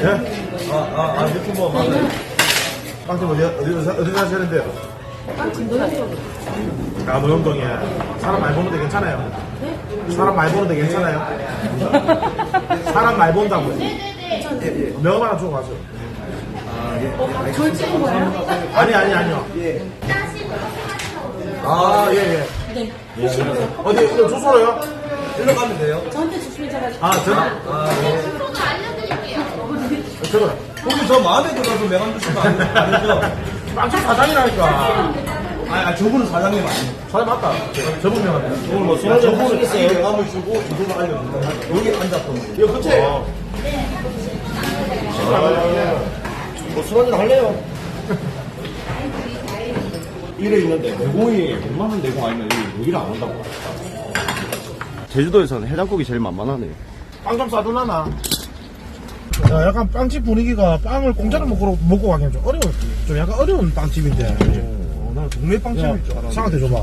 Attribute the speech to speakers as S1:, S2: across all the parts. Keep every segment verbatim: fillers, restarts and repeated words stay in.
S1: 예? 아, 아, 아, 유튜버 뭐, 맞아요. 빵집 어디, 어디, 어디 사시는데요?
S2: 빵집 노현동.
S1: 아, 노영동에. 사람 많이 보는데 괜찮아요? 사람 많이 보는데 괜찮아요? 사람 많이 본다고요? 네네네. 명함 하나 주고 가세요.
S2: 저를 찍은 거예요?
S1: 아니, 아니, 아니요. 예. 아, 예, 예.
S2: 네.
S1: 어디, 이거 주소로요?
S3: 일로 가면 돼요.
S2: 저한테 주시면 제가.
S1: 아, 전화. 아, 예. 저거.
S3: 혹시 저 마음에 들어서 명함 주시면 안, 아니죠?
S1: 빵집 사장이라니까.
S3: 아, 아, 저분은 사장님 아니에요.
S1: 사장 맞다. 저분 명함이야.
S3: 오늘 뭐
S1: 저분은
S3: 저분은
S1: 있어요.
S3: 이 명함을 주고 주소를 알려준다. 여기 앉았던
S1: 이거 끝이에요.
S3: 뭐술 한잔 할래요? 이래 있는데 내공이 웬만한 내공 아니면 여기, 여기를 안 온다고. 제주도에서는 해장국이 제일 만만하네요.
S1: 빵 좀 싸두나나? 야, 약간 빵집 분위기가 빵을 공짜로 먹고, 먹고 가기엔 좀 어려워. 좀 약간 어려운 빵집인데.
S3: 어, 나는 동네 빵집일 줄 알았는데.
S1: 상한테 줘봐.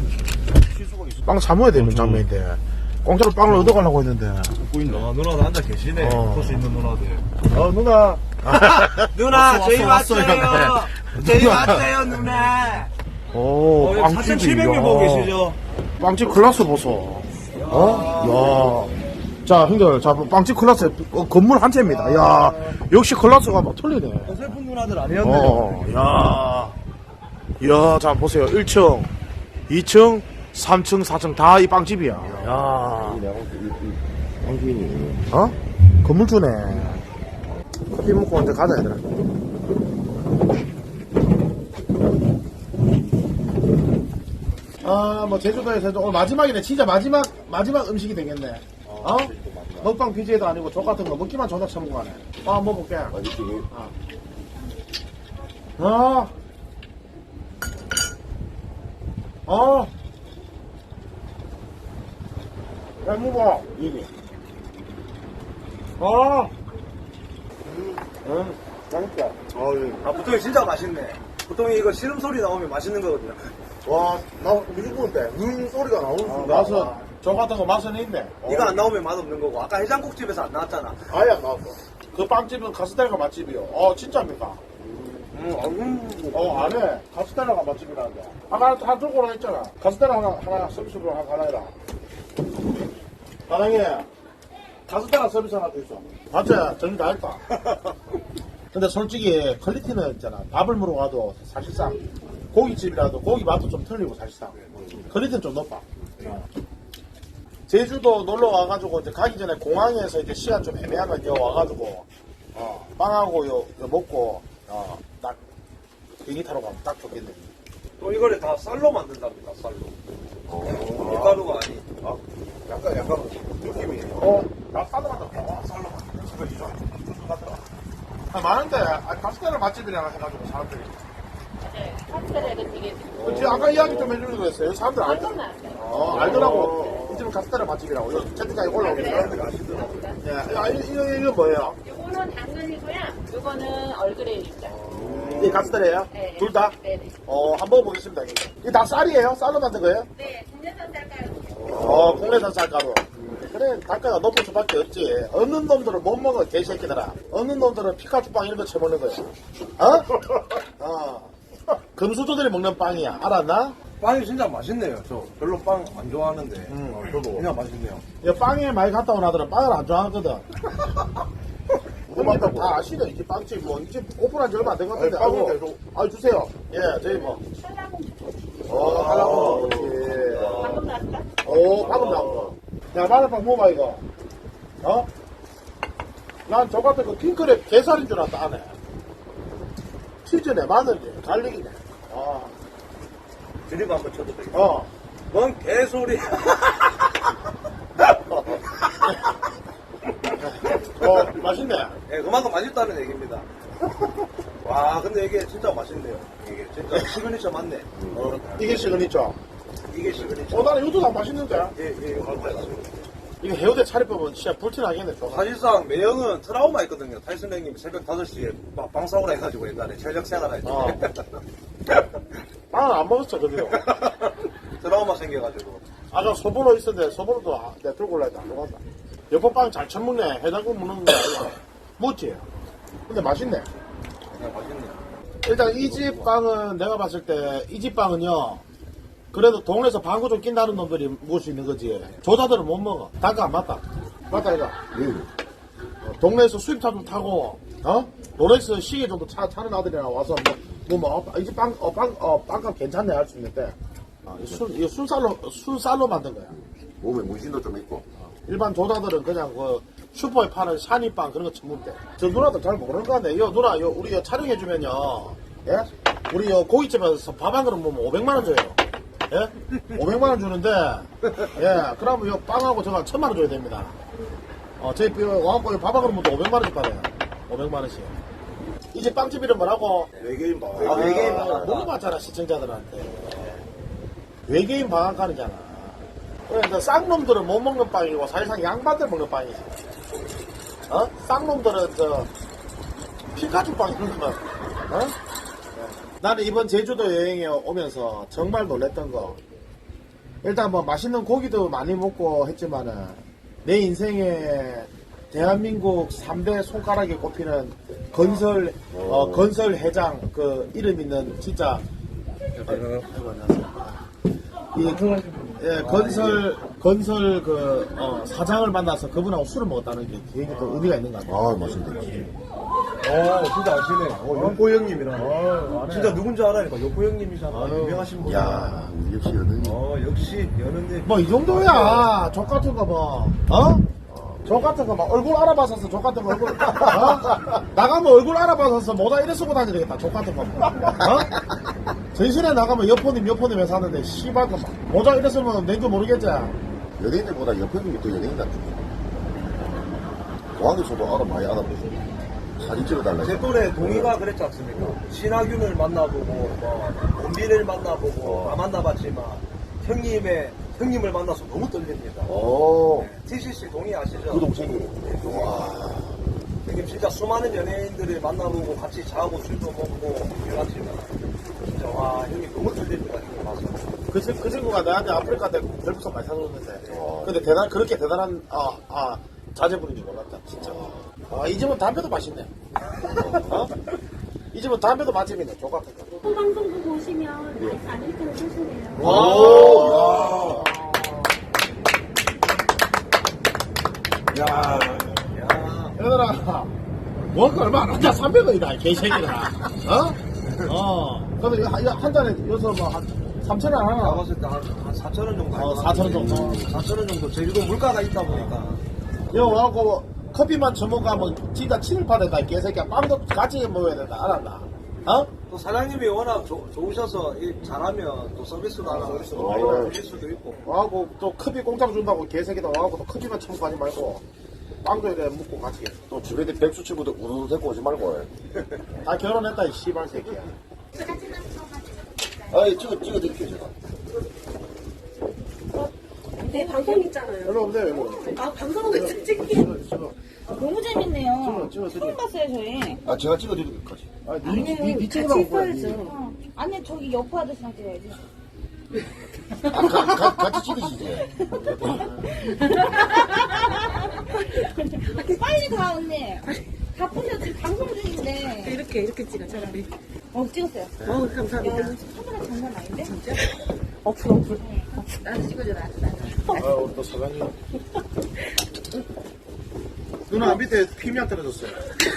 S1: 빵 사모야 되는 장면인데. 공짜로 빵을 얻어가려고 했는데.
S3: 보인다. 아, 누나도 앉아 계시네.
S1: 어.
S3: 소스 있는 누나들.
S1: 어, 누나.
S3: 누나, 저희
S1: 왔어,
S3: 왔어요.
S1: 왔어,
S3: 저희 왔어요, 누나.
S1: 오,
S3: 어,
S1: 빵집이.
S3: 사천칠백 명 보고 계시죠?
S1: 빵집 클라스 보소. 어? 야. 자, 형들, 자, 빵집 클라스, 어, 건물 한 채입니다. 야, 역시 클라스가 막 틀리네.
S3: 어설픈 누나들 아니었네요.
S1: 어, 야. 야, 자, 보세요. 일 층, 이 층, 삼 층, 사 층 다 이 빵집이야. 야.
S3: 빵주인이.
S1: 어? 건물주네. 커피 먹고 언제 가자, 얘들아. 아, 뭐, 제주도에서도 오늘 마지막이네. 진짜 마지막, 마지막 음식이 되겠네. 어? 먹방 비지에도 아니고 족 같은 거 먹기만 존나 처먹고 가네. 빵 한번 먹을게.
S3: 맛있지?
S1: 어. 어. 야, 먹어.
S3: 이게.
S1: 어. 응. 맛있다.
S3: 아, 예. 아, 보통이 진짜 맛있네. 보통 이거 시름 소리 나오면 맛있는 거거든요.
S1: 와, 나 무조건인데. 음 소리가 나오는 순간. 맛은, 저 같은 거 맛은 있네.
S3: 이거 안 나오면 맛없는 거고. 아까 해장국집에서 안 나왔잖아.
S1: 아예 안 나왔어. 그 빵집은 가스텔라가 맛집이요. 어, 진짜입니까?
S3: 음, 음,
S1: 어, 안 해. 가스텔라가 맛집이라는데. 아까 다 들고 오라 했잖아. 가스텔라 하나, 하나 서비스로 하나, 하나 해라. 사장님, 가스텔라 서비스 하나 더 있어. 맞지? 정리 다 했다. 근데 솔직히 퀄리티는 있잖아. 밥을 먹으러 가도 사실상 고깃집이라도 고기 맛도 좀 틀리고 사실상. 퀄리티는 좀 높아. 제주도 놀러 와가지고 이제 가기 전에 공항에서 이제 시간 좀 애매하면 여 와가지고 어, 빵하고 요, 요 먹고 어, 딱 비행기 타러 가면 딱 좋겠네.
S3: 또 이거를 다 쌀로 만든답니다, 쌀로. 어, 밀가루가 아니.
S1: 아, 약간 약간 느낌이. 어, 나 쌀로 만들었다. 와, 쌀로 만들었다. 이거 이거 같더라. 아, 많은데 아, 가스테라 맛집이라 해가지고 사람들이.
S2: 네. 카스테라가 되게.
S1: 그치, 아까 이야기 좀 해주려고 했어요. 사람들 알,
S2: 완전 나왔어요.
S1: 어, 알더라고. 이 집은 가스테라 맛집이라고. 여기 채팅창에 올라오는데 사람들이 아시더라고. 예, 아, 이거, 이거, 이거 뭐예요?
S2: 요거는 당근이고요. 요거는 얼그레이입니다.
S1: 이 가스테라예요?
S2: 네.
S1: 둘 다?
S2: 네네.
S1: 어, 한번 보겠습니다. 이게 다 쌀이에요? 쌀로 만든 거예요?
S2: 네, 국내산 쌀가루.
S1: 어, 국내산 쌀가루. 그래, 단가가 높을 수밖에 없지. 어느 놈들은 못 먹어, 개새끼들아. 어느 놈들은 피카츄빵 이런 거 쳐먹는 거야. 어? 어. 금수저들이 먹는 빵이야. 알았나?
S3: 빵이 진짜 맛있네요. 저 별로 빵 안 좋아하는데.
S1: 음,
S3: 어, 저도. 그냥 맛있네요.
S1: 이 빵에 많이 갔다 온 아들은 빵을 안 좋아하거든. 그거 맞다고. 다 아시네. 이제 빵집, 뭐, 이제 오픈한 지 얼마 안 된 것 같은데.
S3: 아니, 빵을
S1: 아이고. 아, 주세요. 예, 저희 뭐.
S2: 쌀라봉.
S1: 어, 하라고. 그렇지.
S2: 방금 나왔다?
S1: 오, 방금 나온 거. 야, 마늘빵 먹어봐, 이거. 어? 난 저 같은 거 핑크랩 게살인 줄 알았다, 안에. 치즈네, 마늘이네, 갈릭이네. 아,
S3: 드립 한번 쳐도 되겠다.
S1: 어.
S3: 뭔 개소리.
S1: 어, 맛있네.
S3: 예, 그만큼 맛있다는 얘기입니다. 와, 근데 이게 진짜 맛있네요. 이게 진짜 시그니처 맞네.
S1: 어, 이게 시그니처.
S3: 이게 시그니처.
S1: 어, 나는 이것도 다 맛있는데.
S3: 예, 예, 이거 맞아요.
S1: 이거 해우대 차리법은 진짜 불티나겠네, 저.
S3: 사실상 매형은 트라우마 있거든요. 타이슨 형님이 새벽 다섯 시에 막 방사오라 해가지고 옛날에 전력 생활할 때.
S1: 어. 빵은 안 먹었어, 저기도.
S3: 트라우마 생겨가지고.
S1: 아까 소보로 있었는데, 소보로도 아, 내가 들고 올라 했다, 안 먹었다. 여보 빵 잘 처먹네. 해장국 먹는 거 아니야. 먹지? 근데 맛있네.
S3: 네, 맛있네요.
S1: 일단 이 집 빵은 내가 봤을 때 이 집 빵은요. 그래도 동네에서 방구 좀 낀다는 놈들이 먹을 수 있는 거지. 조사들은 못 먹어. 단가 안 맞다. 맞다 이거. 어, 동네에서 수입차 좀 타고 어? 롤렉스 시계 정도 차, 타는 아들이랑 와서 뭐 뭐 뭐 이집 빵, 어, 빵, 어, 빵값 괜찮네 할 수 있는데 어, 이 술, 이거 술쌀로 술쌀로 만든 거야.
S4: 몸에 문신도 좀 있고.
S1: 일반 조사들은 그냥 그 슈퍼에 파는 샤니빵 그런 거 처먹대. 저 누나들 잘 모르는 거 같네. 요 누나 요 우리 요 촬영해주면요. 예? 우리 요 고깃집에서 밥 한 그릇 먹으면 오백만 원 줘요. 예? 오백만 원 주는데 예 그러면 요 빵하고 저거 천만 원 줘야 됩니다. 어 저희 와갖고 밥 한 그릇 먹도 오백만 원씩 받아요. 오백만 원씩. 이제 빵집 이름 뭐라고?
S3: 외계인 방.
S1: 아,
S3: 외계인
S1: 아,
S3: 방.
S1: 물어봤잖아 시청자들한테. 외계인 방앗간이잖아. 그러니까 쌍놈들은 못 먹는 빵이고 사실상 양반들 먹는 빵이지. 어? 쌍놈들은 저 피카츄 빵 이런 거. 어? 나는 이번 제주도 여행에 오면서 정말 놀랬던 거. 일단 뭐 맛있는 고기도 많이 먹고 했지만은 내 인생에 대한민국 삼 대 손가락에 꼽히는 건설 어, 건설 회장 그 이름 있는 진짜 아이고 안녕하세요. 이 예, 건설 건설 그 어, 사장을 만나서 그분하고 술을 먹었다는 게 되게 또 의미가 있는 것 같아요.
S4: 아, 맛있네.
S3: 어, 진짜 아시네. 어, 요코 형님이랑.
S1: 어, 안 해.
S3: 진짜 누군지 알아니까 요코 형님이잖아.
S1: 아유.
S3: 유명하신 분.
S4: 야, 우리 역시 연은이.
S3: 어, 역시 연은님.
S1: 뭐 이 정도야. 족 같은 거 뭐. 어? 족 같은 거 막 얼굴 알아봐서 족 같은 거 얼굴. 어? 나가면 얼굴 알아봐서 모자 이래 쓰고 다녀야 되겠다. 족 같은 거. 어? 전신에 나가면 여포님 여포님 회 사는데 씨발 거 막. 모자 이래 쓰면 낸줄 모르겠지.
S4: 연예인들보다 옆에 있는 게 더 연예인 같아. 공항에서도 알아, 많이 알아보고. 사진 찍어달라.
S3: 제 또래 동희가 그랬지 않습니까? 신하균을 만나보고, 뭐, 원빈을 만나보고,
S4: 어.
S3: 다 만나봤지만, 형님의, 형님을 만나서 너무 떨립니다.
S4: 오,
S3: 티씨씨 동희 아시죠?
S4: 그 동생이.
S3: 네, 동희. 형님 진짜 수많은 연예인들을 만나보고 같이 자고 술도 먹고 해봤지만, 진짜 와, 형님 너무 떨립니다. 형님 와서.
S1: 그, 친- 그 친구가 나한테 아프리카 때 별풍선 많이 사줬는데.
S4: 어.
S1: 근데 대단, 그렇게 대단한, 아, 아, 자제분인 줄 몰랐다, 진짜. 아, 이 집은 담배도 맛있네. 어? 이 집은 담배도 맛집이네, 족 같은 거.
S5: 또 방송국 보시면 라이프 아메리카노 쓰시네요.
S1: 오! 야. 야.
S3: 야,
S1: 얘들아, 먹을 얼마 안 한다, 삼백 원이다, 개새끼들아. 어? 어. 근데 이거 한, 이거 한 잔에, 여기서 뭐, 한, 삼천 원
S3: 내가
S1: 하나?
S3: 봤을 때 한, 한 사천 원 정도.
S1: 어, 사천 원 정도.
S3: 사천 원 정도. 제주도 물가가 있다 보니까.
S1: 여기 와갖고, 커피만 처먹으면 진짜 친일파된다, 이 개새끼야. 빵도 같이 먹어야 된다, 알았나? 어?
S3: 또 사장님이 워낙 조- 좋으셔서 일 잘하면 또 서비스도 하나 서비스도 많이
S4: 어.
S3: 드릴 수도 있고.
S1: 와갖고, 또 커피 공짜로 준다고 개새끼다 와갖고, 또 커피만 처먹고 하지 말고, 빵도 이래 먹고 같이.
S4: 또 주변에 백수 친구들 우르르 데리고 오지 말고.
S1: 다 결혼했다, 이 씨발 새끼야.
S4: 아이, 찍어, 찍어 드릴게요, 제가.
S5: 네, 방송 있잖아요.
S1: 일로 오세요, 일로.
S5: 아, 방송을 왜 찍기?
S1: 지금.
S6: 너무 재밌네요.
S1: 찍어, 찍어,
S6: 처음 봤어요, 저희.
S4: 아, 제가 찍어 드릴게요,
S1: 아, 니, 니, 니, 니 찍으라고 보여야지.
S6: 어. 아니, 저기 여포 아저씨랑 찍어야지.
S4: 아, 가, 가, 같이 찍으시지.
S6: 빨리 가, 언니. 바쁘셔, 지금 방송 중인데.
S5: 이렇게, 이렇게 찍어, 차라리.
S6: 어, 찍었어요.
S5: 어,
S6: 야,
S5: 감사합니다.
S6: 이거 카메라 장난 아닌데? 진짜?
S5: 어플, 어플. 나도 찍어줘라.
S1: 아, 우리 또 사장님. 누나 밑에 피미안 떨어졌어요.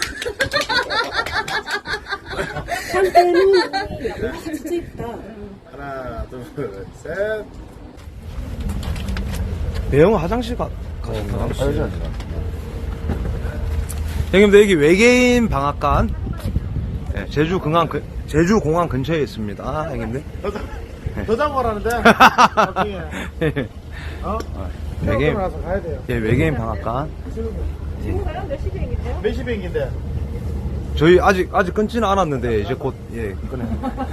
S5: 한때는 진짜 이쁘다.
S1: 하나, 둘, 셋.
S3: 배영 화장실 가, 가,
S4: 알지, 알지.
S3: 형님들 여기 외계인 방앗간 네, 제주 공항 근 제주 공항 근처에 있습니다, 형님들.
S1: 더 자고 가라는데. 나중에. 어?
S3: 외계인
S1: 나서 가야 돼요.
S3: 예, 외계인 방앗간.
S2: 지금 가요? 몇 시 비행기인데요?
S1: 몇 시 비행기인데?
S3: 저희 아직 아직 끊지는 않았는데 이제 곧 예 끊어요.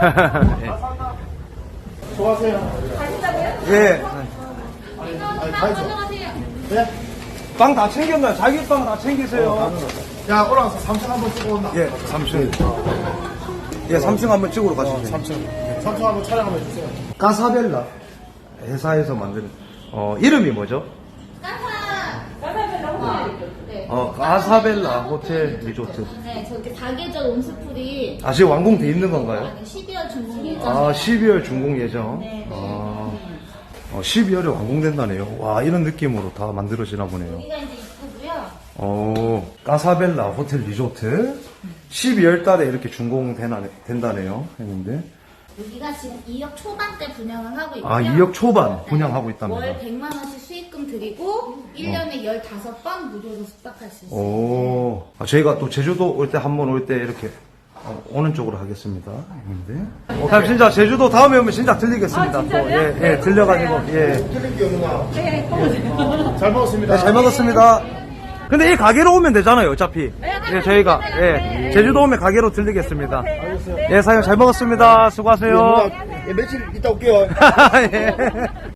S1: 좋아하세요?
S3: 예. 예.
S1: 아니, 가야죠. 네?
S3: 빵 다 챙겼나요? 자기 빵 다 챙기세요.
S1: 야, 올라가서 삼층 한번 찍어 온다.
S3: 예, 삼 층. 예, 삼 층 한번 찍으러 가시죠.
S1: 삼 층. 삼 층 한번 촬영 한번 해주세요.
S3: 까사벨라 회사에서 만드는 어 이름이 뭐죠?
S2: 까사벨라. 네.
S7: 어, 가사벨라 호텔 리조트.
S8: 네, 저기 사계절 온수풀이
S7: 아, 지금 완공돼 있는 건가요?
S8: 십이월 중공 예정.
S7: 아, 십이월 준공 예정.
S8: 네, 네.
S7: 아, 어, 십이월에 완공된다네요. 와, 이런 느낌으로 다 만들어지나 보네요.
S8: 여기가 이제 입구고요.
S7: 어, 가사벨라 호텔 리조트. 십이월 달에 이렇게 준공되나, 된다네요. 했는데.
S8: 여기가 지금 이억 초반대 분양을 하고 있고요.
S7: 아, 이억 초반 분양하고 있답니다.
S8: 월 백만 원씩 수익금 드리고 일 년에 열다섯 번 무료로 숙박할 수 있어요.
S7: 오, 아, 저희가 또 제주도 올 때 한 번 올 때 이렇게 어, 오는 쪽으로 하겠습니다. 했는데. 어, 진짜 제주도 다음에 오면 진짜 들리겠습니다.
S2: 아, 진짜요?
S7: 또, 예, 예,
S2: 네,
S7: 들려가지고, 예.
S1: 틀린 게 없나?
S2: 네, 또
S1: 잘 먹었습니다.
S7: 네, 잘 먹었습니다. 근데 이 가게로 오면 되잖아요, 어차피. 예, 저희가, 예, 제주도 오면 가게로 들리겠습니다. 예, 사장님 잘 먹었습니다. 수고하세요.
S1: 며칠 있다 올게요.
S7: 예.